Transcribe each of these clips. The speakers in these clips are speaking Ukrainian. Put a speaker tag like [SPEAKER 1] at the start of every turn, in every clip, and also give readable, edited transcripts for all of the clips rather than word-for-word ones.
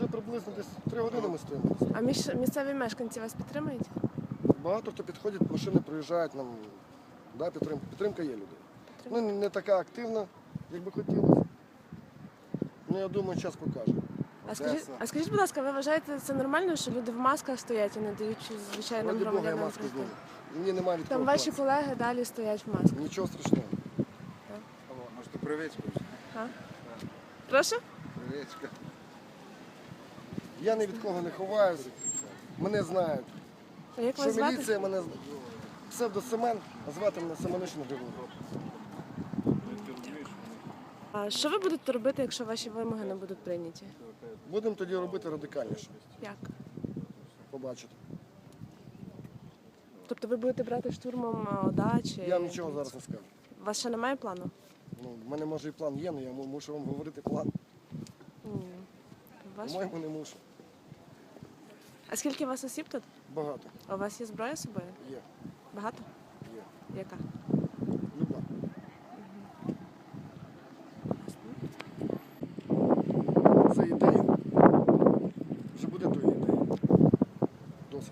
[SPEAKER 1] приблизно десь 3 години ми стоїмо.
[SPEAKER 2] А місцеві мешканці вас підтримують?
[SPEAKER 1] Багато хто підходить, машини проїжджають нам. Да, підтримка є людей. Ну, не така активна, як би хотілося. Ну, я думаю, час покаже.
[SPEAKER 2] А скажіть, будь ласка, ви вважаєте це нормально, що люди в масках стоять і не дають звичайним
[SPEAKER 1] Ради Бога, я
[SPEAKER 2] громадянам
[SPEAKER 1] маску
[SPEAKER 2] пройти?
[SPEAKER 1] зніму. Мені немає від
[SPEAKER 2] Там
[SPEAKER 1] кого
[SPEAKER 2] ваші
[SPEAKER 1] ховатися.
[SPEAKER 2] колеги далі стоять в масках.
[SPEAKER 1] Нічого страшного.
[SPEAKER 3] Може, ти привичка?
[SPEAKER 2] А? Прошу?
[SPEAKER 3] Привичка.
[SPEAKER 1] Я ні від кого не ховаюся. Мене знають.
[SPEAKER 2] А як вас
[SPEAKER 1] Що
[SPEAKER 2] звати?
[SPEAKER 1] міліція мене псевдо-Семен, а звати мене Семенишин Григорій.
[SPEAKER 2] А що ви будете робити, якщо ваші вимоги не будуть прийняті?
[SPEAKER 1] Будемо тоді робити радикальніше.
[SPEAKER 2] Як?
[SPEAKER 1] Побачите.
[SPEAKER 2] Тобто ви будете брати штурмом ОДА чи...
[SPEAKER 1] Я вам нічого зараз не скажу.
[SPEAKER 2] У вас ще немає плану?
[SPEAKER 1] Ну, в мене може і план є, але я мушу вам говорити план. По-моєму, не мушу.
[SPEAKER 2] А скільки у вас осіб тут?
[SPEAKER 1] Багато.
[SPEAKER 2] А у вас є зброя з собою?
[SPEAKER 1] Є.
[SPEAKER 2] Багато?
[SPEAKER 1] Є.
[SPEAKER 2] Яка?
[SPEAKER 1] Люба. За ідею. Вже буде тої ідеї. Досить.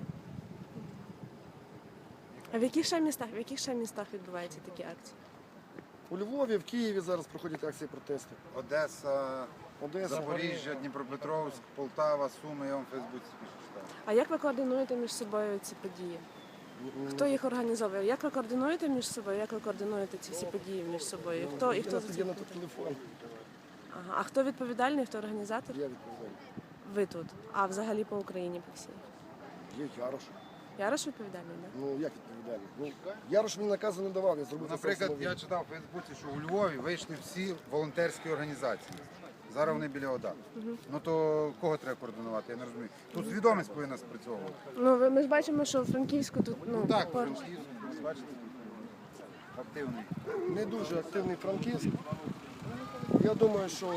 [SPEAKER 2] А в яких ще містах відбуваються такі акції?
[SPEAKER 1] У Львові, в Києві зараз проходять акції протесту.
[SPEAKER 3] Одеса,
[SPEAKER 1] Одеса.
[SPEAKER 3] Запоріжжя, Дніпропетровськ, Полтава, Суми, я вам в Фейсбуці читав.
[SPEAKER 2] А як ви координуєте між собою ці події? Хто їх організовує? Як ви координуєте між собою? Як ви координуєте ці всі події між собою? І хто
[SPEAKER 1] Я
[SPEAKER 2] за
[SPEAKER 1] тоді
[SPEAKER 2] це
[SPEAKER 1] на
[SPEAKER 2] відповідає?
[SPEAKER 1] телефон.
[SPEAKER 2] Ага. А хто відповідальний, хто організатор?
[SPEAKER 1] Я відповідаю.
[SPEAKER 2] Ви тут. А взагалі по Україні по всій.
[SPEAKER 1] Є Ярош.
[SPEAKER 2] Ярош відповідальний, так?
[SPEAKER 1] Ну як відповідальний? Ну, Ярош мені наказу не давав, я зробив це
[SPEAKER 3] Наприклад,
[SPEAKER 1] самовільно.
[SPEAKER 3] я читав у Фейсбуці, що у Львові вийшли всі волонтерські організації. Зараз вони біля ОДА. Ну то кого треба координувати, я не розумію. Тут свідомість повинна спрацьовувати.
[SPEAKER 2] Ну, ми ж бачимо, що в Франківську тут,
[SPEAKER 3] Так,
[SPEAKER 2] поруч.
[SPEAKER 3] Франківськ, бачите, активний.
[SPEAKER 1] Не дуже активний Франківськ. Я думаю, що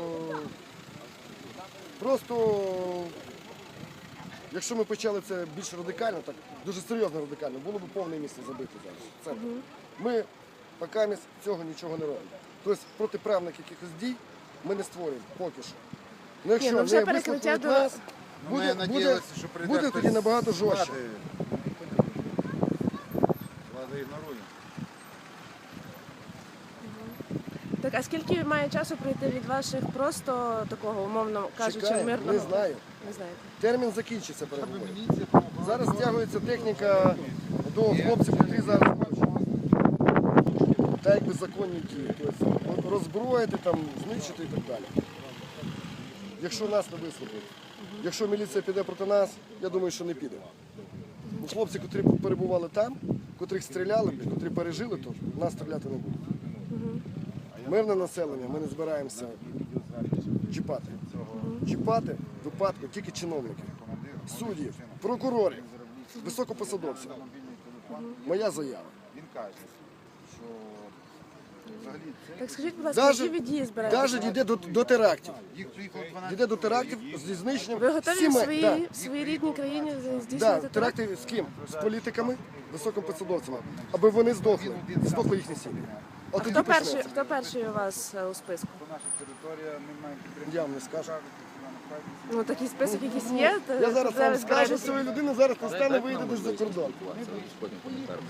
[SPEAKER 1] просто, якщо ми почали це більш радикально, так дуже серйозно радикально, було б повне місце забити зараз. Це. Ми поки цього нічого не робимо. Тобто протиправних якихось дій ми не створюємо поки що. Ну, якщо
[SPEAKER 2] ну, вже
[SPEAKER 1] не
[SPEAKER 2] перекриття
[SPEAKER 1] вислухають
[SPEAKER 2] до-
[SPEAKER 1] нас,
[SPEAKER 3] Ну, ми надіялися, що прийде
[SPEAKER 1] буде
[SPEAKER 3] хтось
[SPEAKER 1] тоді набагато
[SPEAKER 3] з
[SPEAKER 1] жорстче.
[SPEAKER 3] влади. Влада ігнорує.
[SPEAKER 2] Так, а скільки має часу пройти від ваших просто такого, умовно кажучи,
[SPEAKER 1] Чекаємо,
[SPEAKER 2] мирного?
[SPEAKER 1] не знаю.
[SPEAKER 2] Не знаєте.
[SPEAKER 1] Термін закінчиться переговорів. Зараз стягується техніка до хлопців, які зараз та якби законні дії. Тобто роззброїти, там, знищити і так далі. Якщо нас не вислухають. Якщо міліція піде проти нас, я думаю, що не піде. Бо хлопці, котрі перебували там, котрих стріляли, котрі пережили, то нас стріляти не будуть. Мирне населення, ми не збираємося чіпати. Чіпати в випадку тільки чиновників, суддів, прокурорів, високопосадовців. Моя заява.
[SPEAKER 3] Він каже, що взагалі це
[SPEAKER 2] Так скажіть, будь ласка, які ви дії збираєтеся?
[SPEAKER 1] Навіть йде до терактів.
[SPEAKER 3] їх приїхало 12.
[SPEAKER 1] Йде до терактів зі знищенням
[SPEAKER 2] Ви готові
[SPEAKER 1] всіма-
[SPEAKER 2] в своїй рідній країні
[SPEAKER 1] Да,
[SPEAKER 2] здійснювати теракт?
[SPEAKER 1] теракти з ким? З політиками, високопосадовцями, аби вони здохли їхні сім'ї. От тоді почнеться.
[SPEAKER 2] Хто перший у вас у списку?
[SPEAKER 3] Наша територія, ми маємо підтримку.
[SPEAKER 1] Я вам не скажу.
[SPEAKER 2] Ну, такий список якийсь є?
[SPEAKER 1] Я зараз
[SPEAKER 2] Де ви
[SPEAKER 1] вам скажу,
[SPEAKER 2] збираєтесь?
[SPEAKER 1] цієї людини зараз настане, вийде десь за кордон.